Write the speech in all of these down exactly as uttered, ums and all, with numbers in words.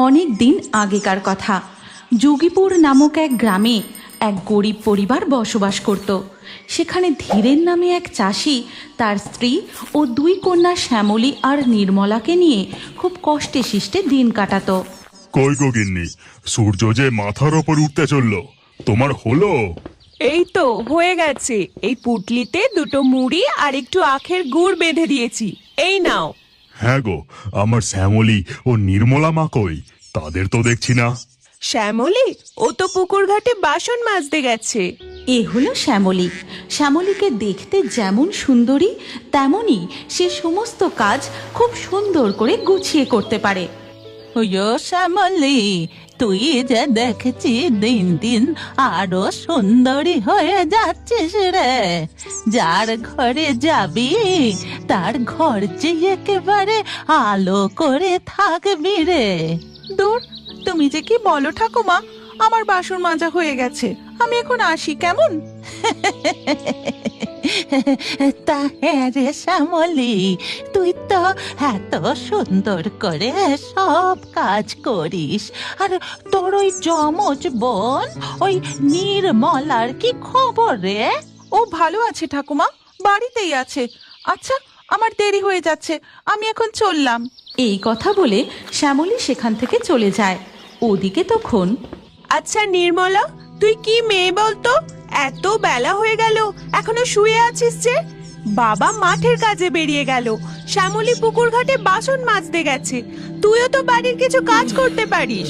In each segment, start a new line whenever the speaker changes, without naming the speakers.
অনেক দিন আগেকার কথা। যোগীপুর নামক এক গ্রামে এক গরিব পরিবার বসবাস করত। সেখানে ধীরেন নামে এক চাষি তার স্ত্রী ও দুই কন্যা শ্যামলী আর নির্মলাকে নিয়ে খুব কষ্টে শিষ্টে দিন কাটাতো।
কই গো গিন্নি, সূর্য যে মাথার ওপর উঠতে চললো, তোমার হলো?
এই তো হয়ে গেছে। এই পুটলিতে দুটো মুড়ি আর একটু আখের গুড় বেঁধে দিয়েছি, এই নাও।
হ্যাঁ গো, আমার শ্যামলী ও নির্মলা মা কই? তাদের তো দেখছি না।
শ্যামলী? ও তো পুকুর ঘাটে বাসন মাজতে গেছে।
এ হলো শ্যামলী। শ্যামলীকে দেখতে যেমন সুন্দরী, তেমনই সে সমস্ত কাজ খুব সুন্দর করে গুছিয়ে করতে পারে।
ওয়ো শ্যামলী, তুই যে দেখছি দিন দিন আরো সুন্দরী হয়ে যাচ্ছিস রে। যার ঘরে যাবি তার ঘর যে একেবারে আলো করে থাকবি রে।
দূর, তুমি যে কি বলো ঠাকুমা, আমার বাসন মাজা হয়ে গেছে, আমি এখন আসি কেমন?
তা হ্যাঁ রে শ্যামলী, তুই তো এত সুন্দর করে সব কাজ করিস। আর তোর ওই যমজ বোন ওই নির্মলার কি খবর রে?
ও ভালো আছে ঠাকুমা, বাড়িতেই আছে। আচ্ছা, আমার দেরি হয়ে যাচ্ছে, আমি এখন চললাম।
এই কথা বলে শ্যামলী সেখান থেকে চলে যায়। ওদিকে তখন
আচ্ছা নির্মলা, তুই কি মেয়ে বলতো? এত বেলা হয়ে গেল, এখনো শুয়ে আছিস যে? বাবা মাঠের কাজে বেরিয়ে গেল, শ্যামলী পুকুর ঘাটে বাসন মাজতে গেছে, তুইও তো বাড়ির কিছু কাজ করতে পারিস।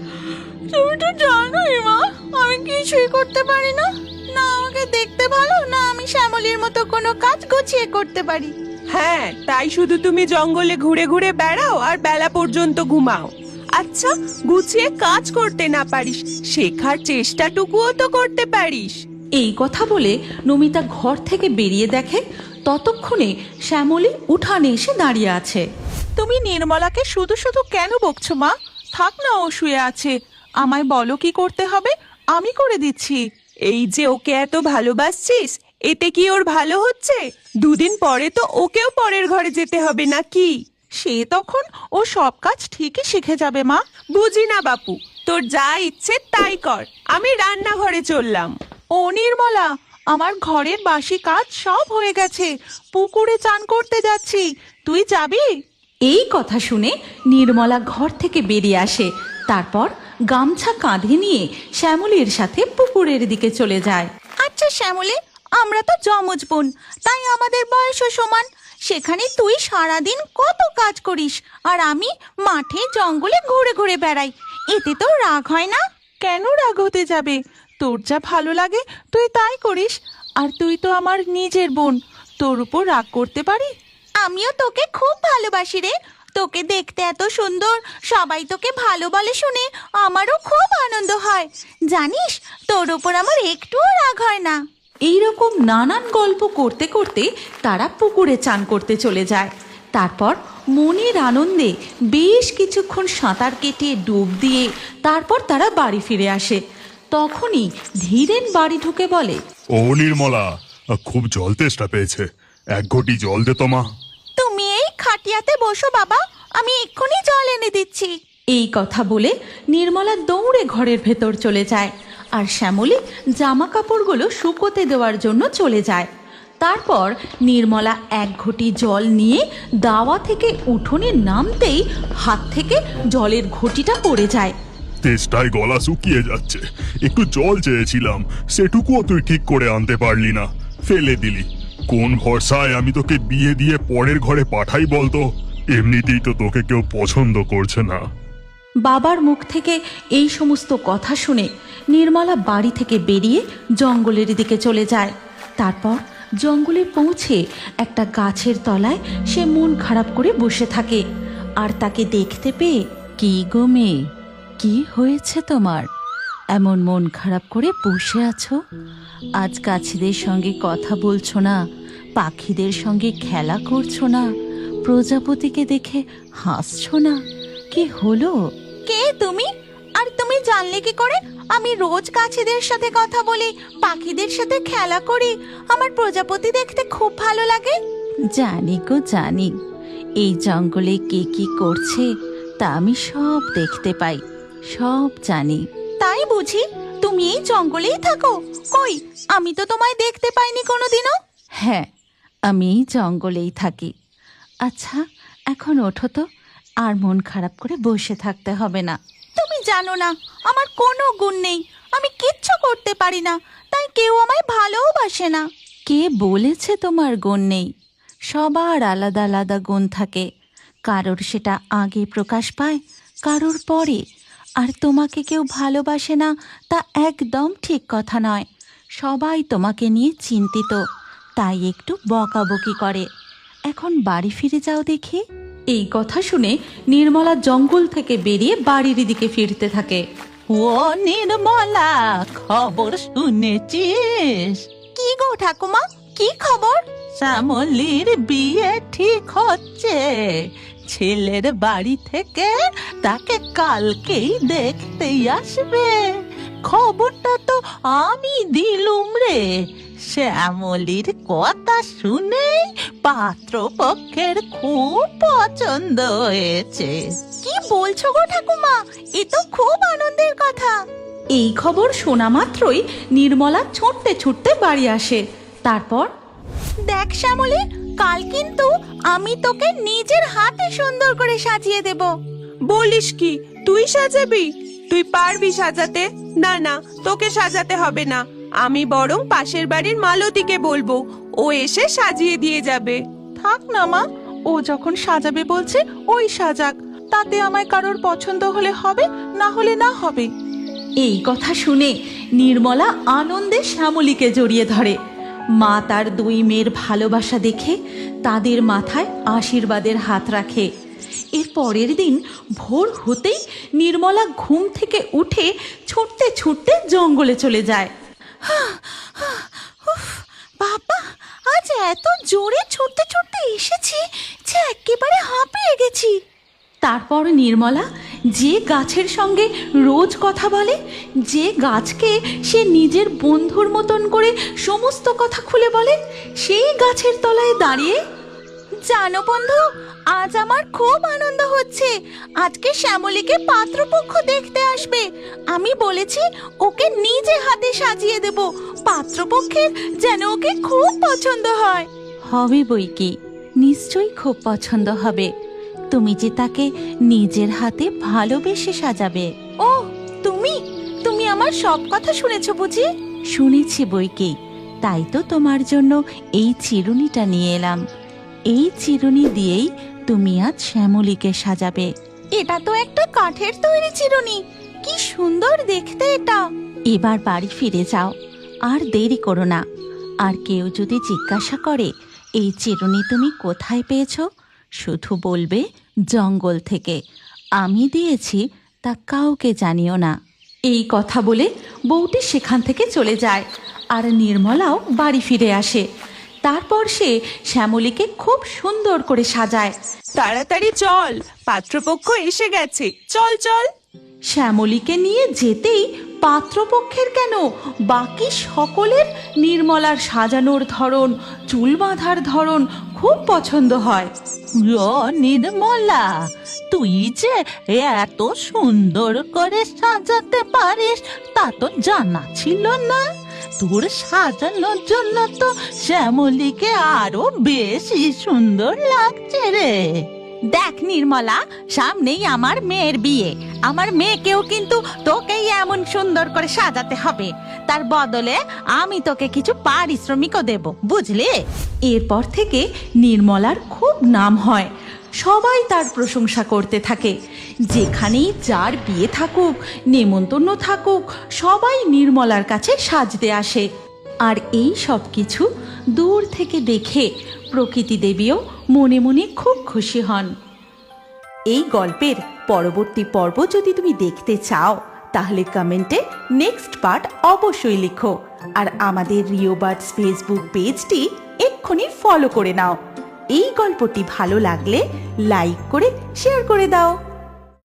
তুমি তো জানোই মা, আমি কিছুই করতে পারি না। না আমাকে দেখতে ভালো, না আমি শ্যামলীর মতো কোনো কাজ গুছিয়ে করতে পারি।
হ্যাঁ, তাই শুধু তুমি জঙ্গলে ঘুরে ঘুরে বেড়াও আর বেলা পর্যন্ত ঘুমাও। আচ্ছা, গুছিয়ে কাজ করতে না পারিস, শেখার চেষ্টাটুকুও তো করতে পারিস।
এই কথা বলে নমিতা ঘর থেকে বেরিয়ে দেখে ততক্ষণে শ্যামলী উঠানে এসে দাঁড়িয়ে আছে।
তুমি নির্মলাকে শুধু শুধু কেন বকছো মা? থাক না, ও শুয়ে আছে। আমায় বলো কি করতে হবে, আমি করে দিচ্ছি।
এই যে ওকে এত ভালোবাসছিস, এতে কি ওর ভালো হচ্ছে? দুদিন পরে তো ওকেও পরের ঘরে যেতে হবে নাকি?
সে তখন ও সব কাজ ঠিকই শিখে যাবে মা।
বুঝি না বাপু, তোর যা ইচ্ছে তাই কর, আমি রান্নাঘরে চললাম।
ও নির্মলা, আমার ঘরের বাসি কাজ সব হয়ে গেছে, পুকুরে চান করতে যাচ্ছি, তুই যাবি?
এই কথা শুনে নির্মলা ঘর থেকে বেরিয়ে আসে। তারপর গামছা কাঁধে নিয়ে শ্যামলীর সাথে পুকুরের দিকে চলে যায়।
আচ্ছা শ্যামলী, আমরা তো যমজ বোন, তাই আমাদের বয়সও সমান। সেখানে তুই সারাদিন কত কাজ করিস আর আমি মাঠে জঙ্গলে ঘুরে ঘুরে বেড়াই, এতে তো রাগ হয় না? কেন রাগ হতে যাবে? তোর যা ভালো লাগে তুই তাই করিস। আর তুই তো আমার নিজের বোন, তোর উপর রাগ করতে পারি? আমিও তোকে খুব ভালোবাসি রে, তোকে দেখতে এত সুন্দর, সবাই তোকে ভালো বলে শুনে আমারও খুব আনন্দ হয়। জানিস, তোর উপর আমার একটুও রাগ হয় না।
এইরকম নানান গল্প করতে করতে তারা পুকুরে চান করতে চলে যায়। তারপর মনের আনন্দে বেশ কিছুক্ষণ সাঁতার কেটে ডুব দিয়ে তারপর তারা বাড়ি ফিরে আসে। তখনই ধীরেন বাড়ি ঢুকে বলে,
ও নির্মলা, খুব জল তেষ্টা পেয়েছে, এক ঘটি জল দে তো মা।
তুমি এই খাটিয়াতে বসো বাবা, আমি এক্ষুনি জল এনে দিচ্ছি।
এই কথা বলে নির্মলা দৌড়ে ঘরের ভেতর চলে যায় আর শ্যামলী জামা কাপড়গুলো শুকোতে দেওয়ার জন্য চলে যায়। তারপর নির্মলা এক ঘটি জল নিয়ে দাওয়া থেকে উঠোনে নামতেই হাত থেকে জলের ঘটিটা পড়ে যায়।
তেষ্টায় গলা শুকিয়ে যাচ্ছে, একটু জল চেয়েছিলাম, সেটুকুও তুই ঠিক করে আনতে পারলি না, ফেলে দিলি। কোন ভরসায় আমি তোকে বিয়ে দিয়ে পরের ঘরে পাঠাই বলতো? এমনিতেই তো তোকে কেউ পছন্দ করছে না।
বাবার মুখ থেকে এই সমস্ত কথা শুনে নির্মলা বাড়ি থেকে বেরিয়ে জঙ্গলের দিকে চলে যায়। তারপর জঙ্গলে পৌঁছে একটা গাছের তলায় সে মন খারাপ করে বসে থাকে। আর তাকে দেখতে পেয়ে,
কি গো মেয়ে, কি হয়েছে তোমার? এমন মন খারাপ করে বসে আছো? আজ গাছেদের সঙ্গে কথা বলছো না, পাখিদের সঙ্গে খেলা করছো না, প্রজাপতিকে দেখে হাসছো না, কি হলো?
কে তুমি? আর তুমি জানলে কি করে আমি রোজ গাছেদের সাথে কথা বলি, পাখিদের সাথে খেলা করি, আমার প্রজাপতি দেখতে খুব ভালো লাগে?
জানি গো জানি, এই জঙ্গলে কে কি করছে তা আমি সব দেখতে পাই, সব জানি।
তাই বুঝি তুমি এই জঙ্গলেই থাকো? কই, আমি তো তোমায় দেখতে পাইনি কোনোদিনও।
হ্যাঁ, আমি এই জঙ্গলেই থাকি। আচ্ছা, এখন ওঠো তো, আর মন খারাপ করে বসে থাকতে হবে না।
তুমি জানো না আমার কোনো গুণ নেই, আমি কিচ্ছু করতে পারি না, তাই কেউ আমায় ভালোবাসে না।
কে বলেছে তোমার গুণ নেই? সবার আলাদা আলাদা গুণ থাকে, কারোর সেটা আগে প্রকাশ পায়, কারোর পরে। আর তোমাকে কেউ ভালোবাসে না তা একদম ঠিক কথা নয়। সবাই তোমাকে নিয়ে চিন্তিত, তাই একটু বকাবকি করে। এখন বাড়ি ফিরে যাও দেখি।
এই কথা শুনে নির্মলা জঙ্গল থেকে বেরিয়ে বাড়ির দিকে ফিরতে থাকে।
ও নির্মলা, খবর শুনেছিস?
কি গো ঠাকুমা, কি খবর?
শ্যামলির বিয়ে ঠিক হচ্ছে। ছেলের বাড়ি থেকে তাকে কালকেই দেখতেই আসবে। খবরটা তো আমি দিলুম রে। শ্যামলির কথা শুনে পাত্রপক্ষের খুব পছন্দ হয়েছে।
কি বলছো গো ঠাকুমা, এ তো খুব আনন্দের কথা।
এই খবর শোনা মাত্রই নির্মলা ছুটতে ছুটতে বাড়ি আসে। তারপর,
দেখ শ্যামলী, কাল কিন্তু আমি তোকে নিজের হাতে সুন্দর করে সাজিয়ে দেব।
বলিস কি, তুই সাজাবি? তুই পারবি সাজাতে? না না, তোকে সাজাতে হবে না। আমি বরং পাশের বাড়ির মালতীকে বলবো, ও এসে সাজিয়ে দিয়ে যাবে।
থাক না মা, ও যখন সাজাবে বলছে ওই সাজাক, তাতে আমায় কারোর পছন্দ হলে হবে, না হলে না হবে।
এই কথা শুনে নির্মলা আনন্দে শ্যামলীকে জড়িয়ে ধরে। মা তার দুই মেয়ের ভালোবাসা দেখে তাদের মাথায় আশীর্বাদের হাত রাখে। এর পরের দিন ভোর হতেই নির্মলা ঘুম থেকে উঠে ছুটতে ছুটতে জঙ্গলে চলে যায়।
উফ, বাবা, আজ এত জোরে ছুটতে ছুটতে এসেছি যে একেবারে হাঁপিয়ে গেছি।
তারপর নির্মলা যে গাছের সঙ্গে রোজ কথা বলে, যে গাছকে সে নিজের বন্ধুর মতন করে সমস্ত কথা খুলে বলে, সেই গাছের তলায় দাঁড়িয়ে,
জানো বন্ধু, আজ আমার খুব আনন্দ হচ্ছে। আজকে শ্যামলীকে পাত্রপক্ষ দেখতে আসবে। আমি বলেছি ওকে নিজে হাতে সাজিয়ে দেব, পাত্রপক্ষের যেন ওকে খুব পছন্দ হয়।
হবে বই কি, নিশ্চয়ই খুব পছন্দ হবে। তুমি যে তাকে নিজের হাতে ভালোবেসে সাজাবে।
ও, তুমি তুমি আমার সব কথা শুনেছো বুঝি?
শুনেছি বই কি, তাই তো তোমার জন্য এই চিরুনিটা নিয়ে এলাম। এই চিরুনি দিয়েই তুমি আজ শ্যামলীকে সাজাবে।
এটা তো একটা কাঠের তৈরি চিরুনি, কি সুন্দর দেখতে এটা।
এবার বাড়ি ফিরে যাও, আর দেরি করো না। আর কেউ যদি জিজ্ঞাসা করে এই চিরুনি তুমি কোথায় পেয়েছো, শুধু বলবে জঙ্গল থেকে। আমি দিয়েছি, তা কাউকে জানিও না।
এই কথা বলে বউটি সেখান থেকে চলে যায়, আর নির্মলাও বাড়ি ফিরে আসে। তারপর সে শ্যামলীকে খুব সুন্দর করে সাজায়।
তাড়াতাড়ি চল, পাত্রপক্ষ এসে গেছে, চল চল।
শ্যামলীকে নিয়ে যেতেই পাত্রপক্ষের কেন, বাকি সকলের নির্মলার সাজানোর ধরন, চুল বাঁধার ধরন খুব পছন্দ হয়।
ও নির্মলা, তুই যে এত সুন্দর করে সাজাতে পারিস তা তো জানা ছিল না। তোর সাজানোর জন্য তো শ্যামলীকে আরো বেশি সুন্দর লাগছে রে।
দেখ নির্মলা, সামনেই আমার মেয়ের বিয়ে। আমার মেয়েকেও কিন্তু তোকেই এমন সুন্দর করে সাজাতে হবে। তার বদলে আমি তোকে কিছু পারিশ্রমিকও দেব, বুঝলি?
এরপর থেকে নির্মলার খুব নাম হয়, সবাই তার প্রশংসা করতে থাকে। যেখানেই যার বিয়ে থাকুক, নেমন্তন্ন থাকুক, সবাই নির্মলার কাছে সাজতে আসে। আর এই সব কিছু দূর থেকে দেখে প্রকৃতি দেবীও মনে মনে খুব খুশি হন। এই গল্পের পরবর্তী পর্ব যদি তুমি দেখতে চাও, তাহলে কমেন্টে নেক্সট পার্ট অবশ্যই লিখো। আর আমাদের রিও বার্ডস ফেসবুক পেজটি এক্ষুনি ফলো করে নাও। এই গল্পটি ভালো লাগলে লাইক করে শেয়ার করে দাও।